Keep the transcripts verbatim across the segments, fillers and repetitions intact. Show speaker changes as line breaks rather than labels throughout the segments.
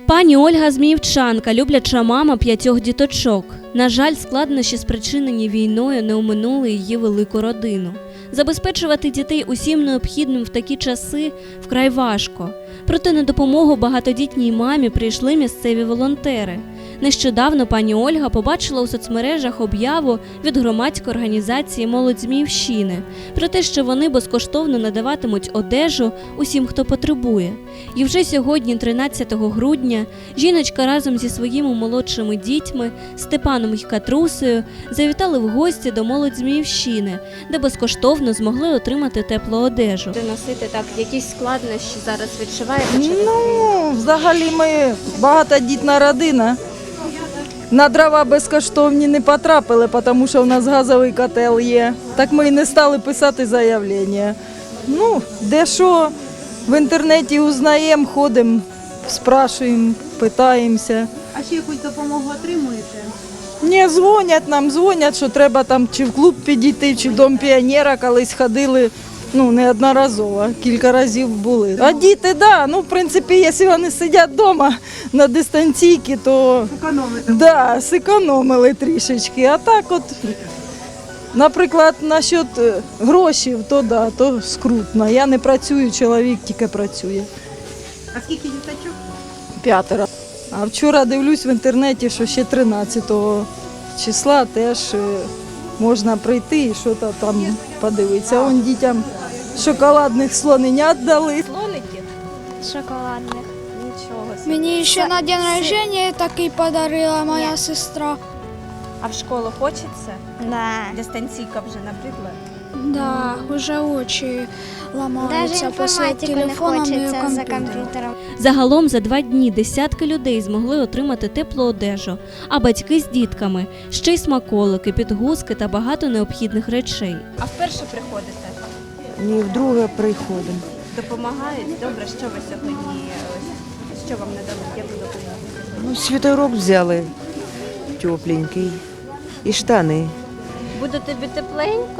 Пані Ольга Зміївчанка, любляча мама п'ятьох діточок. На жаль, складнощі, спричинені війною, не оминули її велику родину. Забезпечувати дітей усім необхідним в такі часи вкрай важко. Проте на допомогу багатодітній мамі прийшли місцеві волонтери. Нещодавно пані Ольга побачила у соцмережах об'яву від громадської організації «Молодь Зміївщини» про те, що вони безкоштовно надаватимуть одежу усім, хто потребує. І вже сьогодні, тринадцятого грудня, жіночка разом зі своїми молодшими дітьми Степаном і Катрусею завітали в гості до «Молодь Зміївщини», де безкоштовно змогли отримати теплу одежу.
Носити так, якісь складнощі зараз відчуваєте?
Ну, взагалі ми багатодітна родина. На дрова безкоштовні не потрапили, тому що в нас газовий котел є. Так ми і не стали писати заявлення. Ну, де що, в інтернеті узнаємо, ходимо, спрашуємо, питаємося.
А ще якусь допомогу отримуєте?
Не, дзвонять нам, дзвонять, що треба там чи в клуб підійти, чи в Дом піонера, колись ходили. Ну, неодноразово, кілька разів були. А діти, да, ну, в принципі, якщо вони сидять вдома на дистанційці, то
Економите?
да, зекономили трішечки. А так от, наприклад, насчет грошей, то да, то скрутно. Я не працюю, чоловік тільки працює.
А скільки діточок?
П'ятеро. А вчора дивлюсь в інтернеті, що ще тринадцятого числа теж е, можна прийти і щось там подивитися. Вон дітям шоколадних слоненят дали.
Слоники? Шоколадних. Нічого.
Мені ще на день рождения такий подарила моя сестра.
А в школу хочеться?
Да.
Дистанційка вже, наприклад?
Да, уже очі ламаються
Даже
після
інформатику не
телефону і
хочеться за
комп'ютера.
комп'ютером.
Загалом за два дні десятки людей змогли отримати теплу одежу, а батьки з дітками – ще й смаколики, підгузки та багато необхідних речей.
А вперше приходите?
Ні, вдруге приходимо.
Допомагають? Добре, що ви сьогодні, ось, що вам надали, яку допомогу?
Ну, світорок взяли тепленький і штани.
Буде тобі тепленько?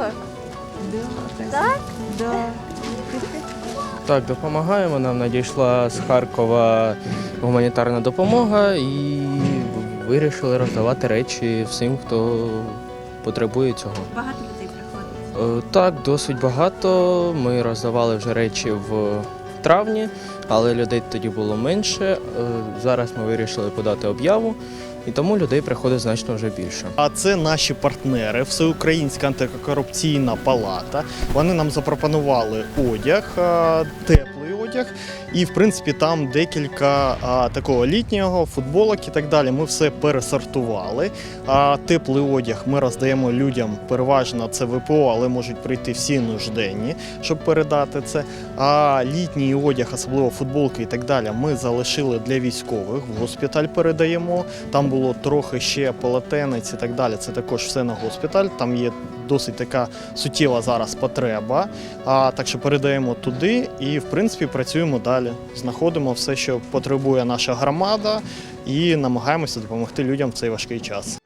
Так, допомагаємо. Нам надійшла з Харкова гуманітарна допомога і вирішили роздавати речі всім, хто потребує цього.
Багато людей приходить?
Е, Так, досить багато. Ми роздавали вже речі в травні, але людей тоді було менше. Е, Зараз ми вирішили подати об'яву, і тому людей приходить значно вже більше.
А це наші партнери, Всеукраїнська антикорупційна палата. Вони нам запропонували одяг, а, теплий одяг. І, в принципі, там декілька а, такого літнього, футболок і так далі. Ми все пересортували. А, теплий одяг ми роздаємо людям, переважно це ВПО, але можуть прийти всі нужденні, щоб передати це. А літній одяг, особливо футболки і так далі, ми залишили для військових, в госпіталь передаємо. Там було трохи ще полотенець і так далі. Це також все на госпіталь. Там є досить така суттєва зараз потреба. А, так що передаємо туди і, в принципі, працюємо далі. Знаходимо все, що потребує наша громада, і намагаємося допомогти людям в цей важкий час.